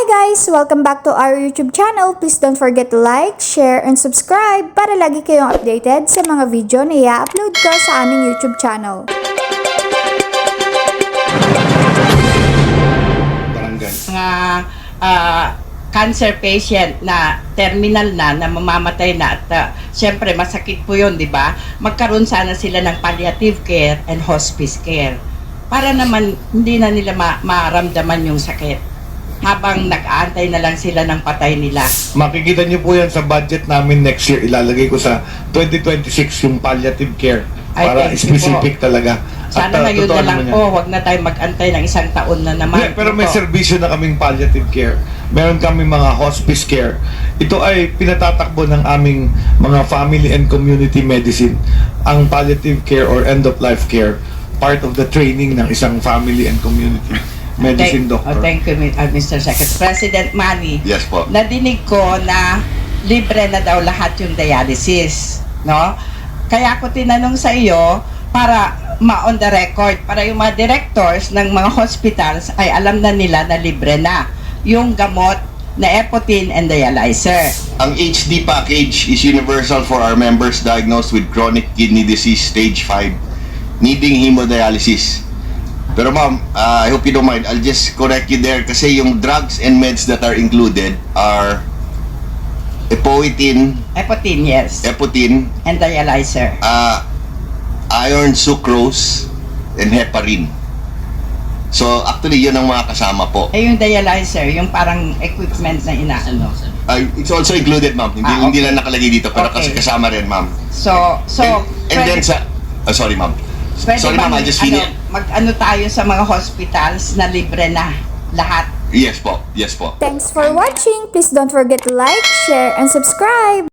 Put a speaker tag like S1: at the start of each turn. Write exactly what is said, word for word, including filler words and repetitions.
S1: Hi guys! Welcome back to our YouTube channel. Please don't forget to like, share, and subscribe para lagi kayong updated sa mga video na i-upload ko sa aming YouTube channel.
S2: Mga uh, cancer patient na terminal na, na mamamatay na at uh, syempre masakit po yun, di ba? Magkaroon sana sila ng palliative care and hospice care para naman hindi na nila ma maramdaman yung sakit habang nag-aantay na lang sila ng patay nila.
S3: Makikita niyo po yan sa budget namin next year. Ilalagay ko sa twenty twenty-six yung palliative care para
S2: Ay,
S3: specific talaga.
S2: Sana
S3: At, uh,
S2: ngayon
S3: totoo
S2: na lang
S3: naman yan.
S2: po, huwag na tayo mag-antay ng isang taon na naman.
S3: Yeah, pero may
S2: Ito.
S3: serbisyo na kaming palliative care. Meron kami mga hospice care. Ito ay pinatatakbo ng aming mga family and community medicine. Ang palliative care or end-of-life care, part of the training ng isang family and community medicine
S2: Thank,
S3: doctor.
S2: oh, thank you, uh, Mister Secretary. President Manny,
S4: Yes po.
S2: nadinig ko na libre na daw lahat yung dialysis, no? Kaya ako tinanong sa iyo para ma-on the record, para yung mga directors ng mga hospitals ay alam na nila na libre na yung gamot na Epotin and dialyzer.
S4: Ang H D package is universal for our members diagnosed with chronic kidney disease stage five needing hemodialysis. Pero ma'am, uh, I hope you don't mind, I'll just correct you there kasi yung drugs and meds that are included are Epoetin,
S2: Epotin, yes.
S4: Epotin,
S2: And dialyzer.
S4: uh, iron sucrose, and heparin. So actually yun ang mga kasama po.
S2: Eh yung dialyzer, yung parang equipment na inaano.
S4: Uh, it's also included ma'am, hindi,
S2: Ah, okay.
S4: hindi lang nakalagay dito pero
S2: Okay.
S4: kasi kasama rin ma'am.
S2: So, so,
S4: and, and then
S2: pwede-
S4: sa, uh, sorry ma'am.
S2: Pwede
S4: Sorry
S2: bang,
S4: ma'am, I just
S2: ano,
S4: finished.
S2: mag-ano tayo sa mga hospitals na libre na lahat?
S4: Yes po, yes po.
S1: Thanks for watching! Please don't forget to like, share, and subscribe!